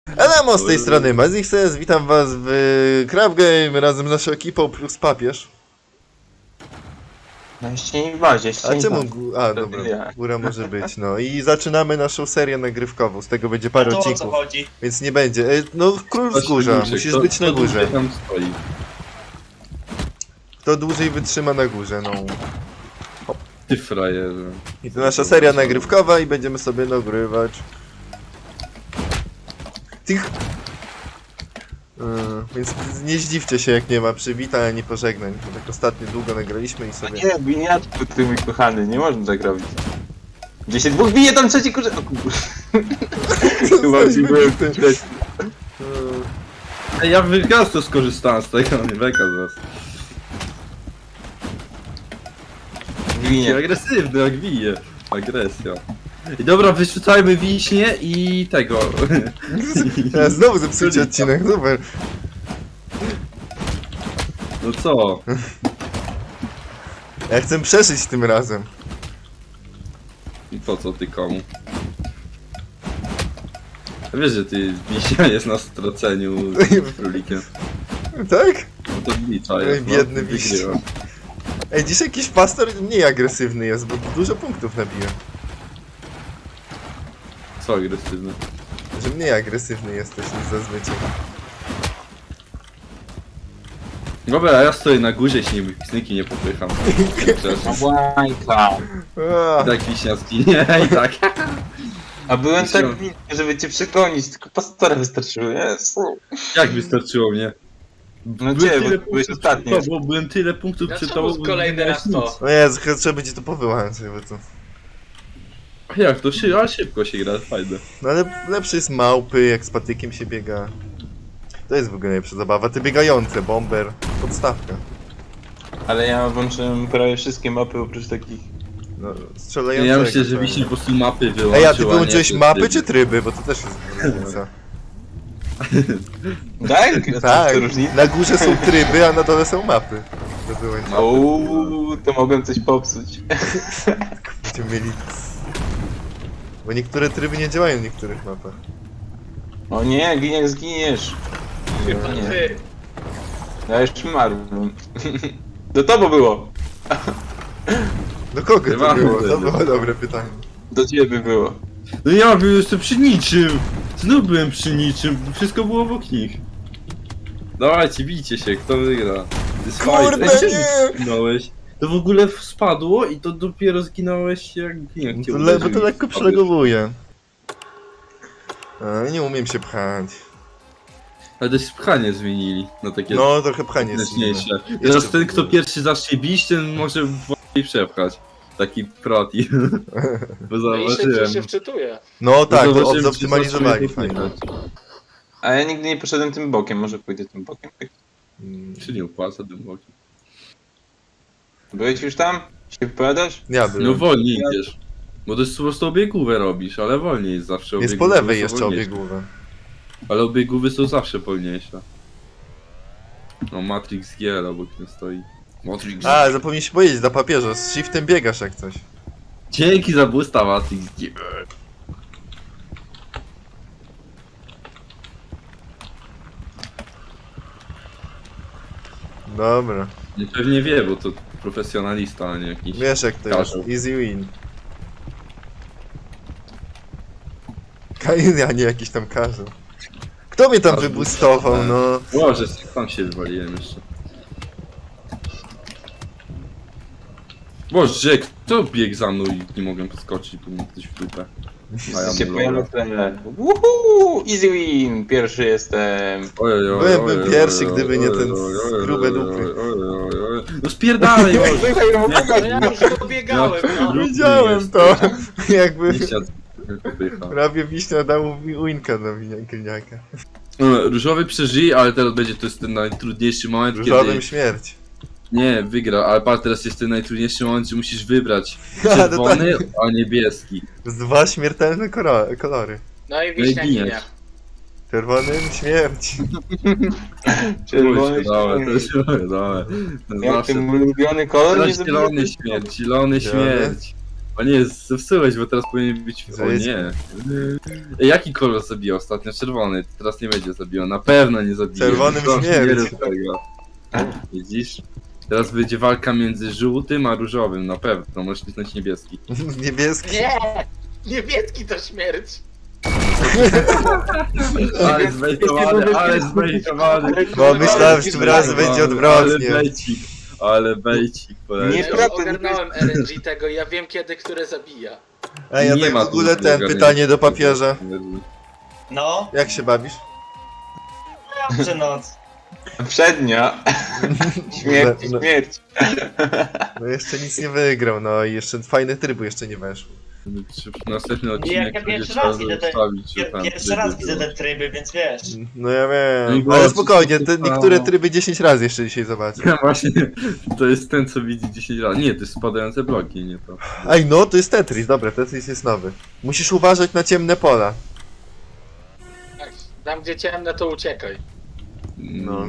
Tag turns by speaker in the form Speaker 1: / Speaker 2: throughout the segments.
Speaker 1: Elemo z tej strony Mazixes, witam was w Craft Game razem z naszą ekipą plus papież.
Speaker 2: No jeszcze nie w bazie, jeszcze
Speaker 1: A
Speaker 2: nie
Speaker 1: czemu
Speaker 2: w bazie.
Speaker 1: dobra,
Speaker 2: Ja.
Speaker 1: góra może być, no i zaczynamy naszą serię nagrywkową, z tego będzie parę
Speaker 3: To o co
Speaker 1: odcinków,
Speaker 3: chodzi?
Speaker 1: więc nie będzie. No król wzgórza, musisz być na górze.
Speaker 4: Tam stoi.
Speaker 1: Kto dłużej wytrzyma na górze, no.
Speaker 4: Ty frajerze.
Speaker 1: I to nasza seria nagrywkowa i będziemy sobie nagrywać. Tych... Więc nie zdziwcie się, jak nie ma przywitań ani pożegnań, bo tak ostatnio długo nagraliśmy i
Speaker 2: A
Speaker 1: sobie...
Speaker 2: nie, winiatku, ty mój kochany, nie można tak robić. Gdzie się dwóch bije, tam trzeci kurze... O kur... Chyba ci byłem
Speaker 1: Yy,
Speaker 4: Ej, ja wyraz to skorzystałem z tego, nie beka z was.
Speaker 2: Winie.
Speaker 4: Agresywny, jak bije. Agresja. I dobra, wyrzucajmy wiśnie i tego.
Speaker 1: Ja znowu zepsucie odcinek, super.
Speaker 4: No co?
Speaker 1: Ja chcę przeżyć tym razem.
Speaker 4: I po co ty komu? Wiesz, że ty wiśnia jest na straceniu z królikiem.
Speaker 1: Tak?
Speaker 4: No to blicza
Speaker 1: Oj,
Speaker 4: jest,
Speaker 1: biedny
Speaker 4: no,
Speaker 1: wiś.
Speaker 4: wygrywa.
Speaker 1: Ej, dzisiaj jakiś pastor mniej agresywny jest, bo dużo punktów nabija.
Speaker 4: Co agresywny?
Speaker 1: Że mniej agresywny jesteś niż zazwyczaj.
Speaker 4: Dobra, a ja stoję na górze, śnieg pisniki nie popycham.
Speaker 2: Łajka.
Speaker 1: A,
Speaker 4: I tak wiśnia zginie, i tak.
Speaker 2: A byłem tak winny, żeby cię przegonić, tylko pastora wystarczyło, Jezu.
Speaker 4: Jak wystarczyło mnie?
Speaker 2: No gdzie, bo byłeś ostatni.
Speaker 4: Bo byłem tyle punktów przed
Speaker 3: Dlaczego
Speaker 4: tobą.
Speaker 3: kolejny raz to?
Speaker 1: no Jezu, chyba trzeba będzie to powyłączyć, bo to...
Speaker 4: A jak to ale szybko się gra, fajne.
Speaker 1: No ale lepszy jest małpy, jak z patykiem się biega. To jest w ogóle najlepsza zabawa. Te biegające, bomber, podstawka.
Speaker 2: Ale ja włączyłem prawie wszystkie mapy oprócz takich...
Speaker 1: No,
Speaker 4: Ja
Speaker 1: strzelającego.
Speaker 4: myślę, że
Speaker 1: tak.
Speaker 4: wiśnie po prostu mapy wyłączył.
Speaker 1: Ej, a ty
Speaker 4: nie
Speaker 1: wyłączyłeś
Speaker 4: te
Speaker 1: mapy
Speaker 4: tryby.
Speaker 1: czy tryby? Bo to też jest różnica.
Speaker 2: Tak?
Speaker 1: Tak,
Speaker 2: To różnica?
Speaker 1: na górze są tryby, a na dole są mapy. To wyłączyć.
Speaker 2: Ouu, to mogłem coś popsuć.
Speaker 1: Będziemy mieli... Bo niektóre tryby nie działają w niektórych mapach.
Speaker 2: O nie, Gliniak, zginiesz.
Speaker 3: Chyba
Speaker 2: Nie.
Speaker 3: ty.
Speaker 2: Ja już umarłem. Do tobą było.
Speaker 1: Do kogo to
Speaker 4: Chyba
Speaker 1: było? To
Speaker 4: tyle.
Speaker 1: było dobre pytanie.
Speaker 2: Do ciebie było.
Speaker 4: No ja byłem jeszcze przy niczym! Znów byłem przy niczym, wszystko było obok nich. Dawajcie, bijcie się, kto wygra. Ty
Speaker 1: Kurde, nie!
Speaker 4: zginąłeś. To w ogóle spadło i to dopiero zginąłeś jak cię
Speaker 1: Bo to lekko przylegowuje. A, nie umiem się pchać.
Speaker 4: Ale też pchanie zmienili na takie
Speaker 1: No, trochę pchanie jest inne.
Speaker 4: zręczniejsze. Teraz ten, kto pierwszy zacznie bić, ten może wolniej przepchać. Taki proti. Bo
Speaker 3: No i
Speaker 4: zauważyłem.
Speaker 3: się wczytuje.
Speaker 1: No tak, to
Speaker 4: Zauważyłem, że
Speaker 1: zoptymalizowali
Speaker 4: zaczęli
Speaker 1: fajnie.
Speaker 4: popychać.
Speaker 2: A ja nigdy nie poszedłem tym bokiem, może pójdę tym bokiem.
Speaker 4: Czy nie opłaca tym bokiem?
Speaker 2: Byłeś już tam? Się wypowiadasz?
Speaker 1: Ja
Speaker 4: No
Speaker 1: byłem.
Speaker 4: wolniej idziesz. Bo to jest po prostu obiegówę robisz, ale wolniej jest zawsze
Speaker 1: Jest po
Speaker 4: obiegówy
Speaker 1: lewej
Speaker 4: są
Speaker 1: jeszcze
Speaker 4: wolniejsze.
Speaker 1: obiegówę.
Speaker 4: Ale obiegówy są zawsze wolniejsze. No Matrix G obok nie stoi. Matrix
Speaker 1: A, zapomnieliśmy powiedzieć, dla papieża, z shiftem biegasz jak coś.
Speaker 4: Dzięki za boosta Matrix G.
Speaker 1: Dobra.
Speaker 4: Pewnie wie, bo to profesjonalista, a nie jakiś...
Speaker 1: Wiesz jak to jest,
Speaker 4: Karzeł.
Speaker 1: easy win. Kain, a nie jakiś tam karzeł. Kto mnie tam
Speaker 4: Karzeł.
Speaker 1: wybustował, no?
Speaker 4: Boże, tam się wywaliłem jeszcze. Boże, kto biegł za mną i nie mogłem podskoczyć, bo mi ktoś w dupę. A ja
Speaker 2: Się
Speaker 4: mu
Speaker 2: pojawia
Speaker 4: loga.
Speaker 2: tyle. Woohoo! Easy win! Pierwszy jestem.
Speaker 1: Byłbym pierwszy, gdyby nie ten grube dupy.
Speaker 4: No spierdalaj,
Speaker 2: Słuchaj,
Speaker 4: Boże.
Speaker 2: słuchaj,
Speaker 3: No ja już pobiegałem, no.
Speaker 4: No.
Speaker 1: Widziałem to! Jakby
Speaker 4: Nie siadł, popycha.
Speaker 1: prawie wiśnia dał winka na gliniaka.
Speaker 4: Różowy przeżyje, ale teraz będzie to jest ten najtrudniejszy moment,
Speaker 1: Różowym
Speaker 4: kiedy...
Speaker 1: śmierć.
Speaker 4: Nie, wygra, ale patrz, teraz jest ten najtrudniejszy moment, że musisz wybrać
Speaker 1: A, no
Speaker 4: czerwony, a niebieski.
Speaker 1: Z dwa śmiertelne kolory.
Speaker 3: No i wiśnia
Speaker 4: giniesz.
Speaker 3: ginie.
Speaker 1: Czerwonym śmierć.
Speaker 2: Czerwony
Speaker 4: Dawaj, to
Speaker 2: śmierć.
Speaker 4: jest dawaj.
Speaker 2: Jak
Speaker 4: Zawsze.
Speaker 2: ten ulubiony kolor nie
Speaker 4: Zielony
Speaker 2: zrobiłem?
Speaker 4: śmierć, zielony śmierć. O nie, zepsułeś, bo teraz powinien być... O
Speaker 1: Zajedź.
Speaker 4: nie. Jaki kolor zabijał ostatnio? Czerwony. Teraz nie będzie zabijał. Na pewno nie zabije.
Speaker 1: Czerwonym
Speaker 4: Proszę,
Speaker 1: śmierć.
Speaker 4: nie rób tego. Widzisz? Teraz będzie walka między żółtym a różowym. Na pewno. Możesz kliknąć niebieski.
Speaker 1: Niebieski.
Speaker 3: Nie! Niemiecki to śmierć!
Speaker 4: Ale zbejtowany, ale zbejtowany.
Speaker 1: Bo myślałem, że tym razem będzie odwrotnie.
Speaker 4: Ale bejcik. Ale bejcik. poleciał.
Speaker 2: Nie,
Speaker 3: Ja już ogarnąłem RNG tego i ja wiem kiedy, które zabija.
Speaker 1: Ej, ja
Speaker 4: Nie
Speaker 1: tak
Speaker 4: ma
Speaker 1: w ogóle
Speaker 4: tu
Speaker 1: ten
Speaker 4: ogarnięcia.
Speaker 1: pytanie do papieża.
Speaker 5: No,
Speaker 1: Jak się bawisz?
Speaker 5: dobrze noc.
Speaker 2: Przednia. Śmierć,
Speaker 1: No.
Speaker 2: śmierć.
Speaker 1: No jeszcze nic nie wygrał, no i jeszcze fajne tryby jeszcze nie weszły.
Speaker 4: Następny
Speaker 5: Ja
Speaker 4: odcinek będzie
Speaker 5: pierwszy
Speaker 4: trzeba
Speaker 5: raz widzę te-
Speaker 4: zostawić, że tam
Speaker 5: Pierwszy raz
Speaker 4: tryby
Speaker 5: widzę
Speaker 4: były.
Speaker 5: te tryby, więc wiesz.
Speaker 1: No ja
Speaker 4: No i
Speaker 1: wiem,
Speaker 4: było
Speaker 1: ale spokojnie, te
Speaker 4: wszystko
Speaker 1: niektóre
Speaker 4: samo.
Speaker 1: tryby 10 razy jeszcze dzisiaj zobaczę.
Speaker 4: Ja właśnie, to jest ten co widzi 10 razy. Nie, to jest spadające bloki, nie to.
Speaker 1: Ej, no to jest Tetris, dobra, Tetris jest nowy. Musisz uważać na ciemne pola.
Speaker 3: Tak, tam gdzie ciemne to uciekaj.
Speaker 1: No.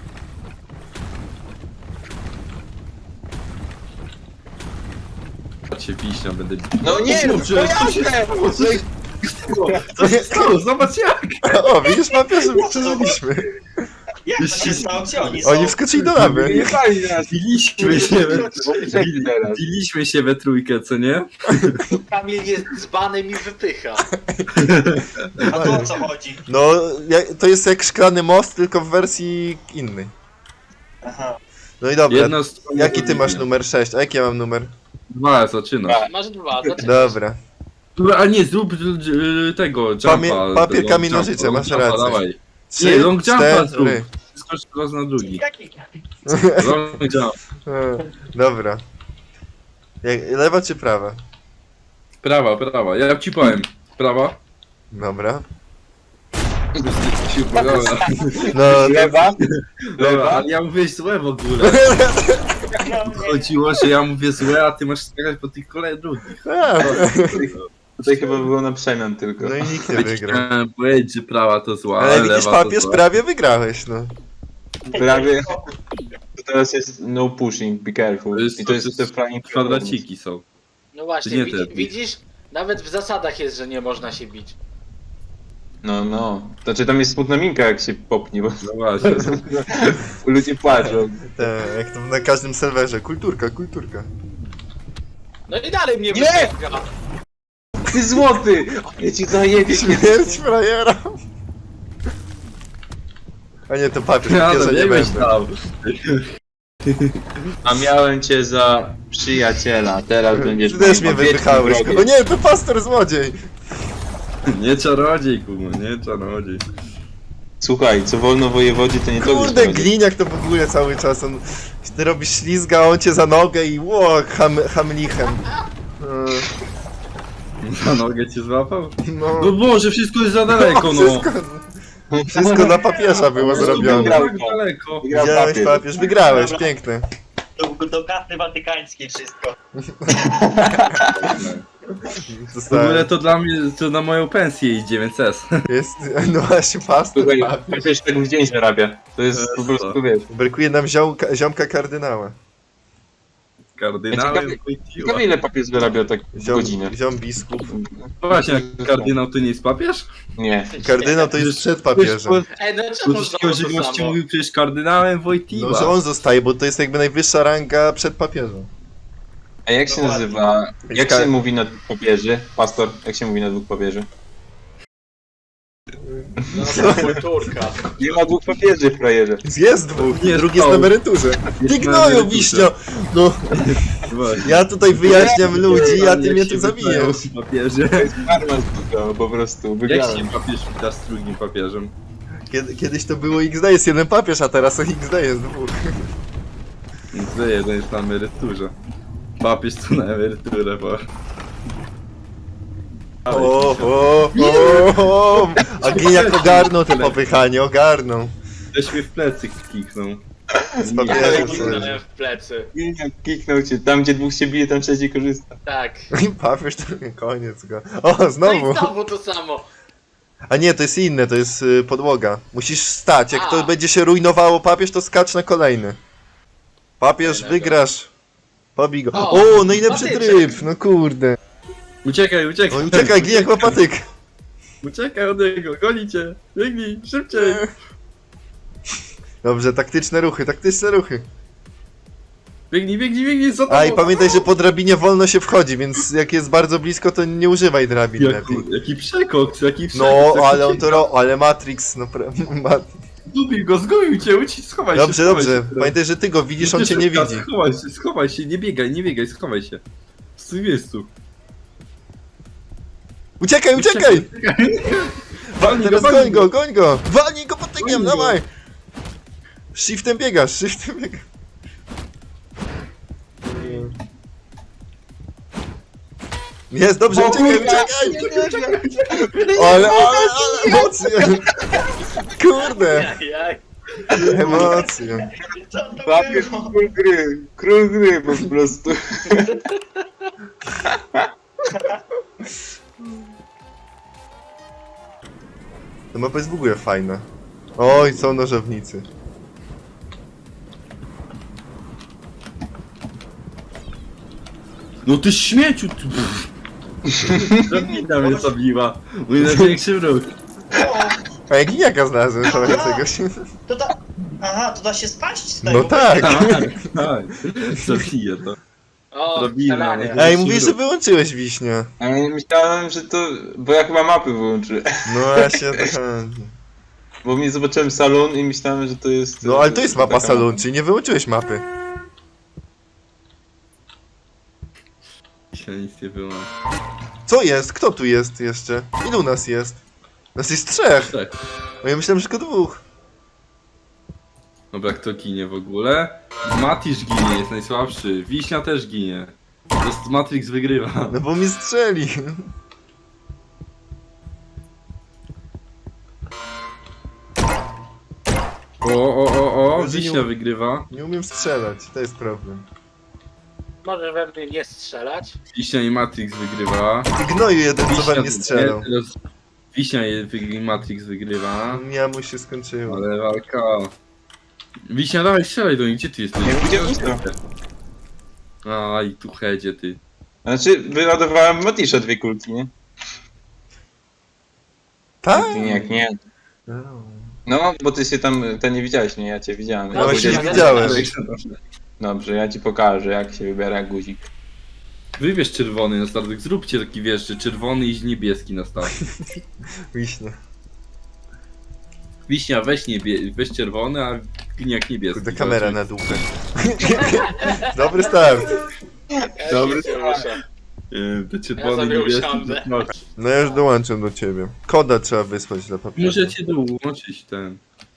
Speaker 4: Cię wiśnia, będę...
Speaker 2: No nie, no
Speaker 4: Kurczę,
Speaker 2: jasne!
Speaker 4: Co się stało? Zobacz jak!
Speaker 1: O, widzisz, papieżu, przeżyliśmy.
Speaker 5: Jak to się stało? Gdzie oni są?
Speaker 1: Oni wskoczyli do lawy.
Speaker 2: Nie pali nas.
Speaker 4: Biliśmy się
Speaker 2: Poprzedni teraz.
Speaker 4: Biliśmy się we trójkę, co nie?
Speaker 3: Kamil jest dzbanem i wypycha.
Speaker 5: A tu o co chodzi?
Speaker 1: No, to jest jak szklany most, tylko w wersji innej.
Speaker 5: Aha.
Speaker 1: No i dobra,
Speaker 4: Jedna strona
Speaker 1: jaki ty
Speaker 4: druga.
Speaker 1: masz numer 6, a jaki ja mam numer?
Speaker 4: 2, zaczynasz.
Speaker 3: Masz dwa, zaczynaj.
Speaker 1: Dobra.
Speaker 4: Dobra, a nie, zrób tego jumpa.
Speaker 1: papier,
Speaker 4: long
Speaker 1: kamień,
Speaker 4: jumpa,
Speaker 1: nożyce,
Speaker 4: long
Speaker 1: masz
Speaker 4: jumpa,
Speaker 1: rację.
Speaker 4: Dawaj.
Speaker 1: 3,
Speaker 4: Nie, long jumpa zrób.
Speaker 1: 4.
Speaker 4: Skocz raz na drugi.
Speaker 5: Jaki?
Speaker 4: Long jump.
Speaker 1: Dobra. Lewa czy prawa?
Speaker 4: Prawa. Ja ci powiem. Prawa.
Speaker 1: Dobra.
Speaker 4: Dobra,
Speaker 1: No,
Speaker 2: Lewa?
Speaker 4: dobra, ale ja mówię złe w ogóle. Chodziło, że ja mówię złe, a ty masz skakać po tych kolejnych drugich.
Speaker 2: Tutaj chyba było na przemian tylko.
Speaker 1: No i nikt nie wygrał.
Speaker 4: Chciałem powiedzieć, że prawa to zła,
Speaker 1: Ale widzisz,
Speaker 4: lewa to
Speaker 1: papież,
Speaker 4: zła.
Speaker 1: prawie wygrałeś, no.
Speaker 2: Prawie. To teraz jest no pushing, be careful. I to jest te flying
Speaker 4: kwadraciki są.
Speaker 3: No właśnie,
Speaker 4: Nie te-
Speaker 3: widzisz? Nawet w zasadach jest, że nie można się bić.
Speaker 2: No. Znaczy tam jest smutna minka jak się popnie, bo
Speaker 4: No właśnie.
Speaker 2: ludzie płaczą.
Speaker 1: Jak to na każdym serwerze. Kulturka.
Speaker 3: No i dalej mnie
Speaker 2: Nie!
Speaker 3: wypycha.
Speaker 2: Ty złoty! Ja ci zajebie.
Speaker 1: Śmierć frajera. A nie, to papież,
Speaker 4: Ja
Speaker 1: papieża
Speaker 4: no,
Speaker 1: nie
Speaker 4: biegłeś
Speaker 1: będę.
Speaker 4: tam.
Speaker 2: A miałem cię za przyjaciela, teraz będziesz
Speaker 1: Ty też
Speaker 2: moim
Speaker 1: mnie
Speaker 2: wiecznym
Speaker 1: wypychałeś.
Speaker 2: wrogiem.
Speaker 1: O nie, to pastor złodziej.
Speaker 4: Nie czarodziej, kurwa, nie czarodziej.
Speaker 2: Słuchaj, co wolno wojewodzie, to nie to
Speaker 1: Kurde, gliniak to w ogóle cały czas. Ty robisz ślizga, a on cię za nogę i hamlichem.
Speaker 4: Na nogę cię złapał?
Speaker 1: No,
Speaker 4: No Boże, wszystko jest za daleko, no.
Speaker 1: wszystko dla papieża było zrobione.
Speaker 2: Wygrał.
Speaker 4: Tak daleko.
Speaker 2: Wygrał
Speaker 1: Widziałeś,
Speaker 2: papier.
Speaker 1: papież, wygrałeś,
Speaker 5: Dobra.
Speaker 1: piękne.
Speaker 5: Do karty watykańskiej wszystko.
Speaker 4: W ogóle to dla mnie, to na moją pensję idzie, więc S.
Speaker 1: Jest, no właśnie, pastor.
Speaker 2: Słuchaj,
Speaker 1: papież.
Speaker 2: papież tak w dzień zarabia. To jest po prostu, wiesz.
Speaker 1: Brakuje nam ziomka kardynała.
Speaker 4: Kardynałem
Speaker 2: Ciekawe ile papież zarabia tak w godzinę.
Speaker 1: Ziom biskup.
Speaker 4: Właśnie, a kardynał to nie jest papież?
Speaker 2: Nie.
Speaker 1: Kardynał to jest przed papieżem.
Speaker 3: Ej, no
Speaker 4: Bo
Speaker 3: czemu
Speaker 4: to
Speaker 3: znowu
Speaker 4: się
Speaker 3: to
Speaker 4: gości
Speaker 3: samo?
Speaker 4: mówił przecież kardynałem Wojtyła.
Speaker 1: No, że on zostaje, bo to jest jakby najwyższa ranga przed papieżem.
Speaker 2: A jak się nazywa, jak się mówi na dwóch papieży? Pastor, jak się mówi na dwóch papieży?
Speaker 3: No, kulturka.
Speaker 2: Nie ma dwóch papieży w frajerze.
Speaker 1: Jest dwóch,
Speaker 4: Nie,
Speaker 1: drugi jest
Speaker 4: są.
Speaker 1: na emeryturze.
Speaker 4: Jest
Speaker 1: Ty
Speaker 4: na
Speaker 1: gnoju,
Speaker 4: emeryturze.
Speaker 1: wiśnio! No,
Speaker 4: Właśnie.
Speaker 1: ja tutaj wyjaśniam ludzi, a
Speaker 4: Jak
Speaker 1: ty mnie
Speaker 4: się
Speaker 1: tu
Speaker 4: witają
Speaker 1: zabijesz.
Speaker 4: papieże.
Speaker 2: To jest karma z po prostu,
Speaker 4: Jak
Speaker 2: wygrałem.
Speaker 4: się papież wita z drugim papieżem?
Speaker 1: Kiedyś to było XD jest jeden papież, a teraz XD jest dwóch.
Speaker 4: Więc jeden jest na emeryturze. Papież tu na emeryturę, bo...
Speaker 1: O. A Giniak ogarnął to popychanie, ogarnął.
Speaker 4: Też mnie w plecy kiknął.
Speaker 1: Z
Speaker 3: Ja
Speaker 1: papieżem.
Speaker 3: kliknąłem w plecy.
Speaker 2: Kiknął cię, tam gdzie dwóch się bije, tam trzeci korzysta.
Speaker 3: Tak.
Speaker 1: I papież to koniec go. O,
Speaker 3: No
Speaker 1: znowu.
Speaker 3: i znowu to samo.
Speaker 1: A nie, to jest inne, to jest podłoga. Musisz stać, jak
Speaker 3: A.
Speaker 1: to będzie się rujnowało papież, to skacz na kolejny. Papież,
Speaker 3: Fajnego.
Speaker 1: wygrasz. Pobij go.
Speaker 3: O,
Speaker 1: O, najlepszy
Speaker 3: patyczek.
Speaker 1: tryb, no kurde.
Speaker 4: Uciekaj, uciekaj.
Speaker 1: Oj, uciekaj, glijak ma patyk.
Speaker 4: Uciekaj od niego, goni cię. Biegnij, szybciej.
Speaker 1: Dobrze, taktyczne ruchy, taktyczne ruchy.
Speaker 4: Biegnij, biegnij, biegnij, za tobą.
Speaker 1: A i pamiętaj, że po drabinie wolno się wchodzi, więc jak jest bardzo blisko, to nie używaj drabin lepiej.
Speaker 4: Jaki przekok, jaki przekok.
Speaker 1: No, ale on to ale Matrix, no
Speaker 4: Zgubił cię, schowaj się.
Speaker 1: Dobrze,
Speaker 4: schowaj
Speaker 1: dobrze.
Speaker 4: się.
Speaker 1: Pamiętaj, że ty go widzisz, on cię nie widzi.
Speaker 4: Schowaj się, nie biegaj, schowaj się. W tym miejscu.
Speaker 1: Uciekaj, uciekaj!
Speaker 4: Walnij
Speaker 1: Teraz
Speaker 4: walnij
Speaker 1: goń go! Walnij go patykiem,
Speaker 4: Goń go.
Speaker 1: dawaj! Shiftem biegasz, shiftem biegasz. Jest, dobrze, uciekaj! Ale emocje! Kurde,
Speaker 3: Jak?
Speaker 1: emocje.
Speaker 5: Co to
Speaker 2: Papier,
Speaker 5: było?
Speaker 2: król gry po prostu.
Speaker 1: Ta mapa jest w ogóle fajna. Oj, są nożownicy.
Speaker 4: No ty śmieciu, ty... Drabina mnie zabiła. Mój największy wróg.
Speaker 1: A jak giniaka znalazłem chowającego się.
Speaker 5: To da... Aha, to da się spaść z tego?
Speaker 1: No tak!
Speaker 4: Tak, zabiję to.
Speaker 3: O,
Speaker 4: Drabina,
Speaker 3: strzelanie.
Speaker 4: nie?
Speaker 1: Ej, mówisz, że wyłączyłeś wiśnie.
Speaker 2: A ja myślałem, że to... Bo ja chyba mapy wyłączyłem.
Speaker 1: No właśnie o to chodzi.
Speaker 2: Bo mnie zobaczyłem salon i myślałem, że to jest...
Speaker 1: No ale to jest mapa
Speaker 2: taka
Speaker 1: salon, czyli nie wyłączyłeś mapy.
Speaker 4: Się nic nie było.
Speaker 1: Co jest? Kto tu jest jeszcze? Ilu nas jest? Nas jest trzech!
Speaker 4: Tak.
Speaker 1: O, ja myślałem, że tylko dwóch.
Speaker 4: Dobra, kto ginie w ogóle? Matisz ginie, jest najsłabszy. Wiśnia też ginie. To jest Matrix wygrywa.
Speaker 1: No bo mnie strzeli.
Speaker 4: O,
Speaker 1: Że nie
Speaker 4: Wiśnia
Speaker 1: um-
Speaker 4: wygrywa.
Speaker 1: Nie umiem strzelać, to jest problem.
Speaker 3: Możesz we mnie nie strzelać.
Speaker 4: Wiśnia i Matrix wygrywa.
Speaker 1: Ty gnoju jeden, co we mnie strzelał.
Speaker 4: teraz Wiśnia i Matrix wygrywa.
Speaker 1: Ja mu się skończyło.
Speaker 4: Ale walka. Wiśnia, dawaj strzelaj do nich, gdzie ty jesteś?
Speaker 2: Nie będzie blisko.
Speaker 4: Aj, tu hedzie ty.
Speaker 2: Znaczy, wyładowałem Matisza 2 kulki, nie?
Speaker 1: Tak?
Speaker 2: Ty nie, jak nie. No, bo ty się tam, to nie widziałeś mnie, ja cię widziałem.
Speaker 1: No właśnie
Speaker 2: Powiedziałeś-
Speaker 1: nie widziałem.
Speaker 2: Dobrze, ja ci pokażę, jak się wybiera guzik.
Speaker 4: Wybierz czerwony na startek, zróbcie taki wiesz, że czerwony i niebieski na start.
Speaker 1: Wiśnie.
Speaker 4: Wiśnia, weź czerwony, a gliniak niebieski.
Speaker 1: Kurde, kamera na dupę. Dobry start.
Speaker 2: Dobry
Speaker 3: się muszę.
Speaker 4: Te czerwony,
Speaker 3: Ja sobie
Speaker 4: niebieski.
Speaker 3: usiądę.
Speaker 4: No,
Speaker 1: No ja już dołączam do ciebie. Koda trzeba wysłać dla papieru.
Speaker 4: możecie dołączyć ten.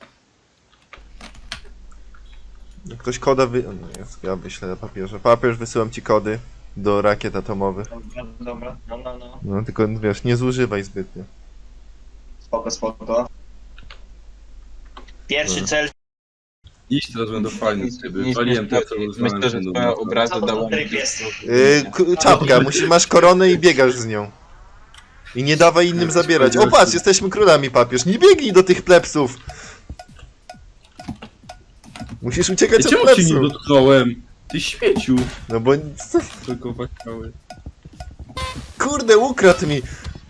Speaker 1: Jak ktoś koda O, no jest, ja wyślę na papierze. Papież, wysyłam ci kody do rakiet atomowych.
Speaker 5: Dobra, no.
Speaker 1: No tylko wiesz, nie zużywaj zbytnio.
Speaker 5: Spoko. Pierwszy cel.
Speaker 4: Iść teraz będą fajne tryby.
Speaker 2: Nie-
Speaker 4: Waliłem to, co
Speaker 2: Myślę,
Speaker 4: uznałem,
Speaker 2: że
Speaker 4: że
Speaker 2: twoja
Speaker 4: będą
Speaker 2: obraza
Speaker 5: Co to
Speaker 2: dała
Speaker 5: za
Speaker 2: mi...
Speaker 5: tryb jest?
Speaker 1: Czapka, masz koronę i biegasz z nią. I nie dawaj innym zabierać. O patrz, jesteśmy królami, papież. Nie biegnij do tych plebsów. Musisz uciekać
Speaker 4: Ej,
Speaker 1: od
Speaker 4: czemu cię nie
Speaker 1: plebsów.
Speaker 4: dotknąłem? Ty śmieciu.
Speaker 1: No bo...
Speaker 4: Tylko wakały.
Speaker 1: Kurde, ukradł mi.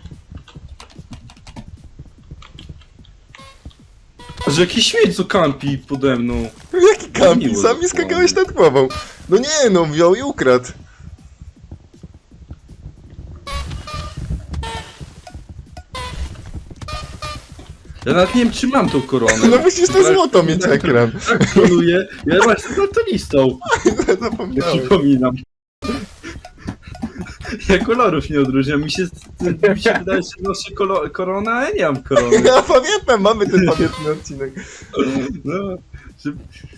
Speaker 4: A że jakiś śmieć co kampi pode mną.
Speaker 1: Jaki kampi,
Speaker 4: Miło
Speaker 1: sam mi
Speaker 4: dokładnie.
Speaker 1: skakałeś nad głową. No nie, no wziął i ukradł.
Speaker 4: Ja nawet nie wiem czy mam tą koronę.
Speaker 1: No musisz to złoto mieć ekran.
Speaker 4: Tak koronuję. Ja właśnie daltonistą.
Speaker 1: Zapomniałem.
Speaker 4: Przypominam. Ja kolorów nie odróżniam. Mi się wydaje, że noszę koronę, a ja nie mam korony.
Speaker 1: Ja pamiętam, mamy ten pamiętny odcinek.
Speaker 4: No, że...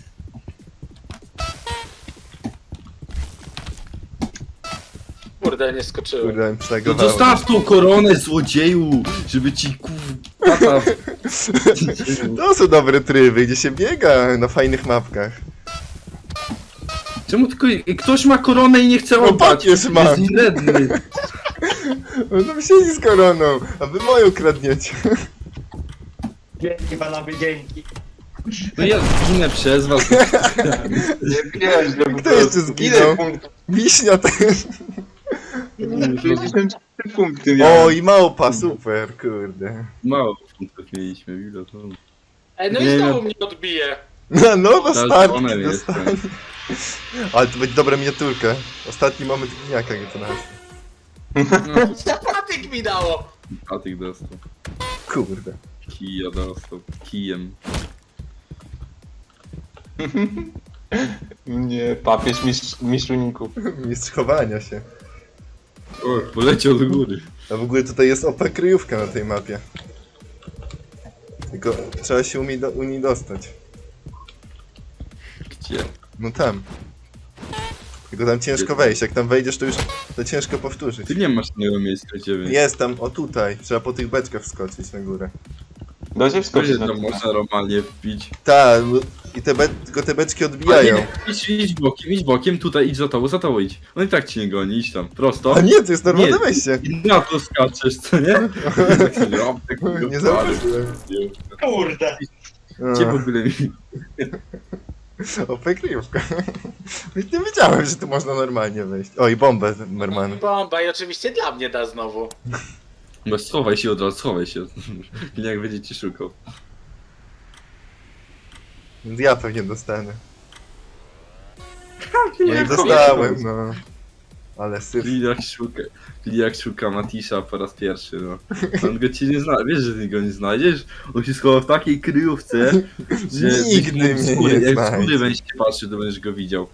Speaker 3: Kurde, nie skoczyłem.
Speaker 1: Kurde, mi
Speaker 4: No
Speaker 1: przelegowałem.
Speaker 4: zostaw tą koronę, złodzieju! Żeby ci tata...
Speaker 1: To są dobre tryby, gdzie się biega na fajnych mapkach.
Speaker 4: Czemu tylko ktoś ma koronę i nie chce
Speaker 1: No
Speaker 4: oddać?
Speaker 1: papież ma.
Speaker 4: Jest wredny.
Speaker 1: On tam siedzi z koroną, a wy moją kradniecie.
Speaker 5: Dzięki panowie, dzięki.
Speaker 4: No ja zginę przez was.
Speaker 2: Nie wiesz, że po
Speaker 1: Kto jeszcze
Speaker 2: prostu.
Speaker 1: zginął?
Speaker 2: Ile punktów?
Speaker 1: Wiśnia też.
Speaker 2: 63 punkty miałem.
Speaker 1: O, i małpa, super, kurde.
Speaker 4: Mało punktów mieliśmy, ile to?
Speaker 3: Ej, no
Speaker 4: Nie,
Speaker 3: i znowu
Speaker 4: no.
Speaker 3: mnie odbije.
Speaker 1: No, dostarki,
Speaker 4: Daltonem
Speaker 1: dostarki.
Speaker 4: jestem.
Speaker 1: Ale to będzie dobra miniaturka. Ostatni moment gniaka, jak to nazwa.
Speaker 4: No,
Speaker 3: Zapatyk mi dało.
Speaker 4: Patyk dostał.
Speaker 1: Kurde.
Speaker 4: Kija dostał. Kijem.
Speaker 2: Nie, papież mistrz uników.
Speaker 1: Mistrz chowania się.
Speaker 4: O, poleciał do góry.
Speaker 1: A w ogóle tutaj jest OP kryjówka na tej mapie. Tylko trzeba się u niej dostać.
Speaker 4: Gdzie?
Speaker 1: No tam. Tylko tam ciężko wejść. Jak tam wejdziesz, to już to ciężko powtórzyć.
Speaker 4: Ty nie masz innego miejsca, gdzie wyjść.
Speaker 1: Jest tam, o tutaj. Trzeba po tych beczkach wskoczyć na górę.
Speaker 2: Da się
Speaker 4: Gdzie
Speaker 2: wskoczyć na
Speaker 4: to można normalnie wbić?
Speaker 1: Tak, i tylko te beczki odbijają.
Speaker 4: Idź bokiem, tutaj idź za tobą idź. On i tak ci nie goni, idź tam, prosto.
Speaker 1: A nie, to jest normalne
Speaker 4: Nie.
Speaker 1: wejście.
Speaker 4: I na to skaczesz, co nie? Tak sobie, o, tak
Speaker 1: Nie zauważyłem.
Speaker 5: Kurde.
Speaker 4: Gdzie w ogóle mi...
Speaker 1: OP kryjówka. Nie wiedziałem, że tu można normalnie wejść. O, i bombę normalną.
Speaker 3: Bomba i oczywiście dla mnie da znowu.
Speaker 4: No schowaj się od razu, schowaj się. Jak będzie ci szukał.
Speaker 1: Ja pewnie dostanę. No i dostałem, no. Ale syf.
Speaker 4: Kliak szuka Matisza po raz pierwszy, no. On go ci nie zna, wiesz, że ty go nie znajdziesz? On się schował w takiej kryjówce, że...
Speaker 1: Nigdy mnie nie
Speaker 4: Jak z
Speaker 1: znajdzie.
Speaker 4: góry będziesz się patrzy, to będziesz go widział.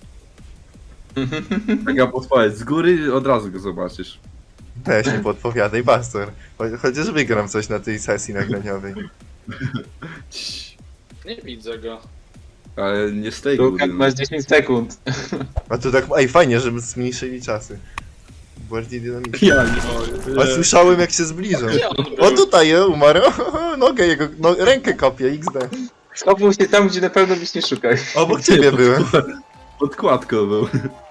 Speaker 4: Taka podpowiedź, z góry od razu go zobaczysz.
Speaker 1: Też nie podpowiadaj, Bastor. Chociaż wygram coś na tej sesji nagraniowej.
Speaker 4: Cii.
Speaker 3: Nie widzę go.
Speaker 4: Ale nie z tej góry.
Speaker 2: Lukas,
Speaker 4: No.
Speaker 2: masz 10 sekund.
Speaker 1: A to tak, ej, fajnie, żeby zmniejszyli czasy. Bardziej dynamicznie.
Speaker 4: Ja nie mogę.
Speaker 1: A słyszałem, jak się zbliżą.
Speaker 3: Gdzie on
Speaker 1: O,
Speaker 3: był?
Speaker 1: tutaj umarł. Nogę jego, no, rękę kopię, XD.
Speaker 2: Schował się tam, gdzie na pewno byś nie szukał.
Speaker 1: Obok ciebie byłem.
Speaker 4: Podkładką był.